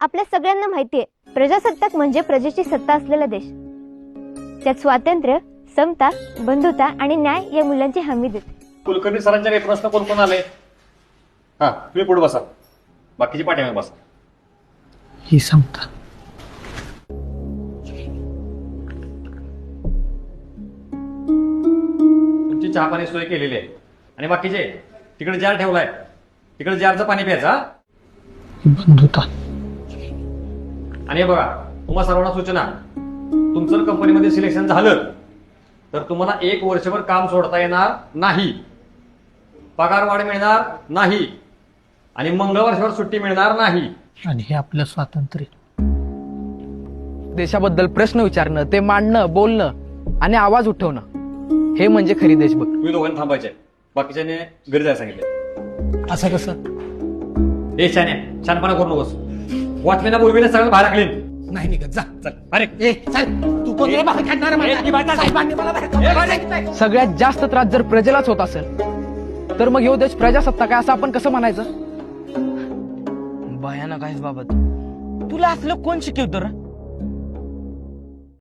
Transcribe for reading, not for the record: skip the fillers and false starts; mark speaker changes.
Speaker 1: आपल्या सगळ्यांना माहितीये, प्रजासत्ताक म्हणजे प्रजेची सत्ता असलेला देश. त्यात स्वातंत्र्य, समता, बंधुता आणि न्याय या मूल्यांची हमी देते.
Speaker 2: कुलकर्णी सरांच्या काही प्रश्न कोण कोण आले? हा, तुम्ही पुढे बसा, बाकीची पाठीमागे बसा.
Speaker 3: ही समता.
Speaker 2: तुमची चहा पाणी सोय केलेली आहे. आणि बाकीचे तिकडे जार ठेवलाय, तिकडे जारचं पाणी प्यायचं. हा?
Speaker 3: बंधुता.
Speaker 2: आणि हे बघा, तुम्हा सर्वांना सूचना, तुमचं कंपनीमध्ये सिलेक्शन झालं तर तुम्हाला 1 वर्षभर काम सोडता येणार नाही, पगार वाढ मिळणार नाही आणि मंगळवारभर सुट्टी मिळणार नाही.
Speaker 3: आणि हे आपलं स्वातंत्र्य.
Speaker 4: देशाबद्दल प्रश्न विचारणं, ते मांडणं, बोलणं आणि आवाज उठवणं, हे म्हणजे खरी देशभक्ती.
Speaker 2: तुम्ही दोघांनी थांबायचे, बाकीच्याने घरी जायला सांगितले.
Speaker 3: असं कसं?
Speaker 2: हे छानपणा करू नकोस. वॉचमॅनला बोलविले सगळं बाहेर टाकले.
Speaker 3: नाही निघत, जा.
Speaker 2: चल अरे
Speaker 3: ए चल, तू कोण रे बाहेर काढणार मला? साहेबांनी मला बाहेर काढलं.
Speaker 4: सगळ्यात जास्त त्रास जर प्रजेलाच होत असेल तर मग ह्यो देश प्रजासत्ताक आहे असं आपण कसं म्हणायचं?
Speaker 5: भयानक आहेस बाबा तू. तुला असलं कोण शिकवतो रे?